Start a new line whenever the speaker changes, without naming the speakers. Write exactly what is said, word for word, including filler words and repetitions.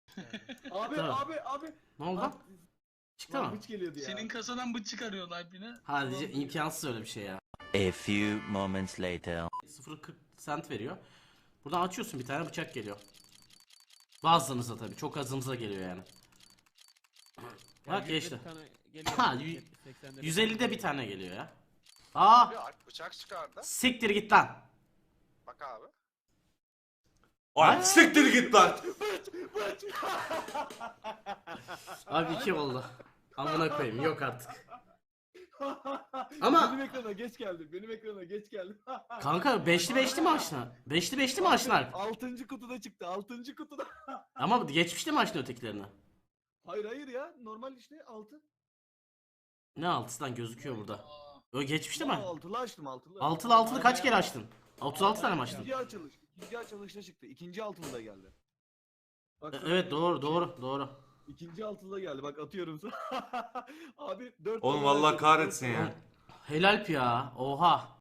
Abi
Tamam.
abi abi.
Ne oldu lan? Çıktı
Lan
mı?
bıç geliyordu ya.
Senin kasadan bıç çıkarıyorlar yine.
Hadi c- imkansız öyle bir şey ya.
A few moments later.
sıfır virgül kırk sent veriyor. Buradan açıyorsun bir tane bıçak geliyor. Bazılarınıza tabii çok azımıza geliyor yani. Bak geçti. Ha, y- yüz ellide bir tane geliyor ya. Aa,
Abi Alp bıçak çıkardı.
siktir git lan.
Bak abi.
Ay siktir git lan.
Abi iki oldu. Amına koyayım yok artık. Ama-
benim ekrana geç geldi. Benim ekrana geç geldi.
Kanka beşli beşli mi açtın? Beşli beşli mi açtın Alp?
Altıncı kutuda çıktı. Altıncı kutuda.
Ama geçmişte mi açtın ötekilerini?
Hayır hayır ya. Normal işte altı.
Ne altısından gözüküyor burada. O geçmişte mi?
Altılı açtım altılı.
Altılı altılı kaç kere açtın? otuz altı tane mi açtın?
İkinci açılış. İkinci açılışta çıktı. İkinci altılı da geldi. Bak,
E-
sana-
Evet doğru doğru doğru.
İkinci altılı da geldi. Bak atıyorum sana. Abi dört
Oğlum
tane
Allah
açıldı.
kahretsin ya.
Helal ya. Oha.